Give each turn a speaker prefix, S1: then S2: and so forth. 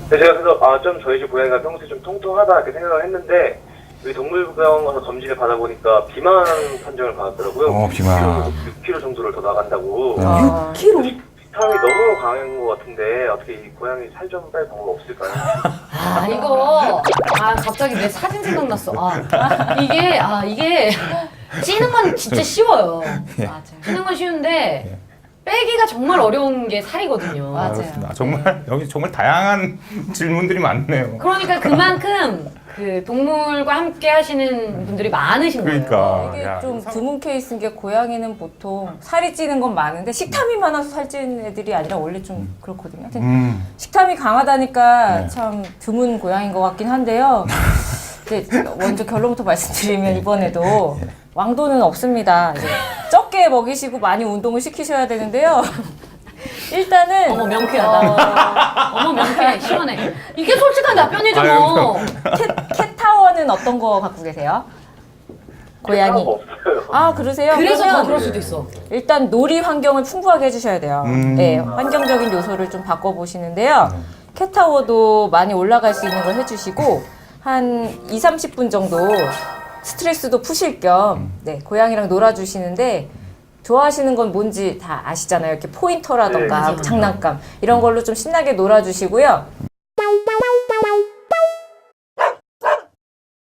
S1: 제가 그래서 좀 저희 집 고양이가 평소에 좀 통통하다 이렇게 생각을 했는데 여기 동물병원 가서 검진을 받아보니까 비만 판정을 받았더라고요.
S2: 비만.
S1: 6kg 정도를 더 나간다고.
S3: 6kg?
S1: 비타민이 너무 강한 것 같은데 어떻게 이 고양이 살 좀 뺄 방법 없을까요?
S3: 이거 갑자기 내 사진 생각났어. 이게 찌는 건 진짜 쉬워요.
S4: 맞아요.
S3: 찌는 건 쉬운데 빼기가 정말 어려운 게 살이거든요.
S4: 맞아요.
S2: 그렇습니다. 정말 여기 정말 다양한 질문들이 많네요.
S3: 그러니까 그만큼 그 동물과 함께 하시는 분들이 많으신 거예요.
S2: 그러니까.
S4: 이게
S2: 야,
S4: 좀
S2: 사-
S4: 드문 케이스인 게 고양이는 보통 살이 찌는 건 많은데 식탐이 많아서 살찌는 애들이 아니라 원래 좀 그렇거든요. 하여튼 식탐이 강하다니까
S2: 네.
S4: 참 드문 고양이인 것 같긴 한데요. 이제 먼저 결론부터 말씀드리면 이번에도 왕도는 없습니다. 이제 적게 먹이시고 많이 운동을 시키셔야 되는데요. 일단은
S3: 어머 명쾌하다. 어머 명쾌해. 시원해. 이게 솔직한 답변이죠 뭐.
S4: 캣타워는 어떤 거 갖고 계세요? 고양이.
S1: 없어요.
S4: 그러세요?
S3: 그래서
S4: 그러면
S3: 더 그럴 수도 있어.
S4: 일단 놀이 환경을 풍부하게 해주셔야 돼요. 네, 환경적인 요소를 좀 바꿔보시는데요. 캣타워도 많이 올라갈 수 있는 걸 해주시고 한 2, 30분 정도 스트레스도 푸실 겸 네, 고양이랑 놀아주시는데 좋아하시는 건 뭔지 다 아시잖아요. 이렇게 포인터라던가
S1: 네,
S4: 장난감 이런 걸로 좀 신나게 놀아주시고요.